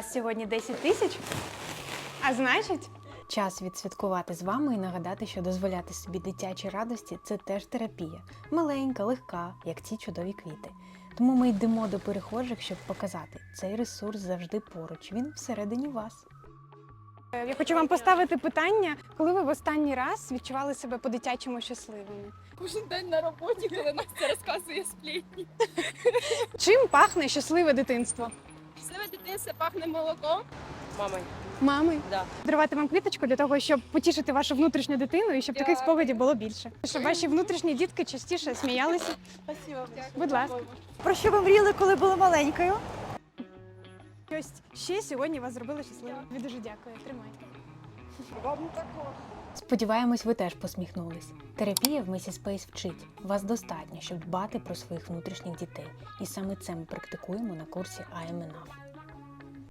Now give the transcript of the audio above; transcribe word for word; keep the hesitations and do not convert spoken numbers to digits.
вас сьогодні десять тисяч, а значить... Час відсвяткувати з вами і нагадати, що дозволяти собі дитячі радості – це теж терапія. Маленька, легка, як ці чудові квіти. Тому ми йдемо до перехожих, щоб показати, цей ресурс завжди поруч, він всередині вас. Я хочу вам поставити питання, коли ви в останній раз відчували себе по-дитячому щасливими? Кожен день на роботі, коли Настя розказує сплетні. Чим пахне щасливе дитинство? Щасливе дитинство пахне молоком. Мамою. Мами. Да. Дарувати вам квіточку для того, щоб потішити вашу внутрішню дитину і щоб таких Дякую. спогадів було більше. Щоб ваші внутрішні дітки частіше сміялися. Спасибо. Будь ласка. Про що ви мріяли, коли були маленькою? Ось ще сьогодні вас зробили щасливим. Я дуже дякую. Тримайте. Сподіваємось, ви теж посміхнулись. Терапія в Messy Space вчить. Вас достатньо, щоб дбати про своїх внутрішніх дітей. І саме це ми практикуємо на курсі I am enough.